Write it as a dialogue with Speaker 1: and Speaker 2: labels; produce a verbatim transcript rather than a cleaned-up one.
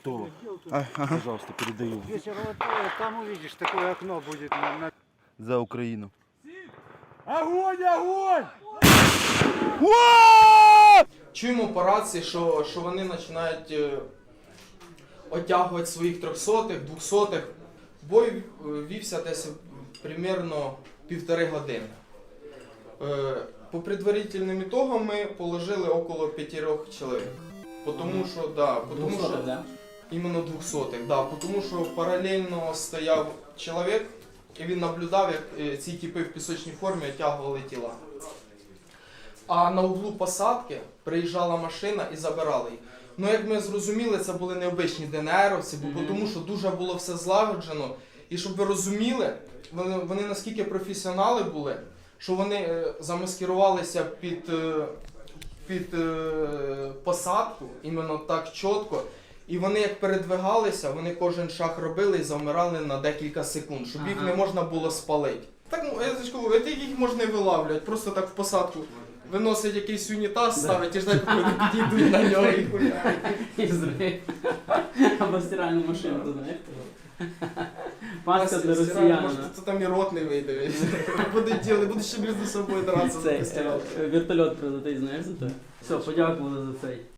Speaker 1: готово.
Speaker 2: А, ага.
Speaker 1: Пожалуйста, передаю.
Speaker 3: Если вот там увидишь, такое окно будет на, на...
Speaker 2: За Україну.
Speaker 1: Огонь, огонь!
Speaker 4: Чуємо по рації, що, що вони починають е, оттягувати своїх трьохсотих, двохсотих. Бой е, вівся десь примерно півтори години. Е, по предварительним ітогам ми положили около п'ятьох чоловік. Потому що, да, потому що,
Speaker 5: да?
Speaker 4: іменно двохсотих, да, тому що паралельно стояв чоловік, і він наблюдав, як е, ці типи в пісочній формі оттягували тіла. А на углу посадки приїжджала машина і забирала їх. Ну, як ми зрозуміли, це були необичні ДНРовці, бо
Speaker 5: Мгм.
Speaker 4: тому що дуже було все злагоджено. І щоб ви розуміли, вони, вони наскільки професіонали були, що вони е, замаскирувалися під, е, під е, посадку, іменно так чітко. І вони як передвигалися, вони кожен шаг робили і завмирали на декілька секунд, щоб їх
Speaker 5: Ага.
Speaker 4: не можна було спалити. Так, ну, я ж кажу, от їх можна і вилавлювати, просто так в посадку. Виносить якийсь унітаз, ставить і ждать, поки вони підійдуть на нього і хуярять.
Speaker 5: І зрив. Або стиральну машину, ти знаєш? Паска для
Speaker 4: Може,
Speaker 5: росіянина.
Speaker 4: то там і рот не вийде. Будуть діли, будуть ще між собою дратися.
Speaker 5: Цей, е, вертольот прилетить, знаєш за те? Все, подякували за цей.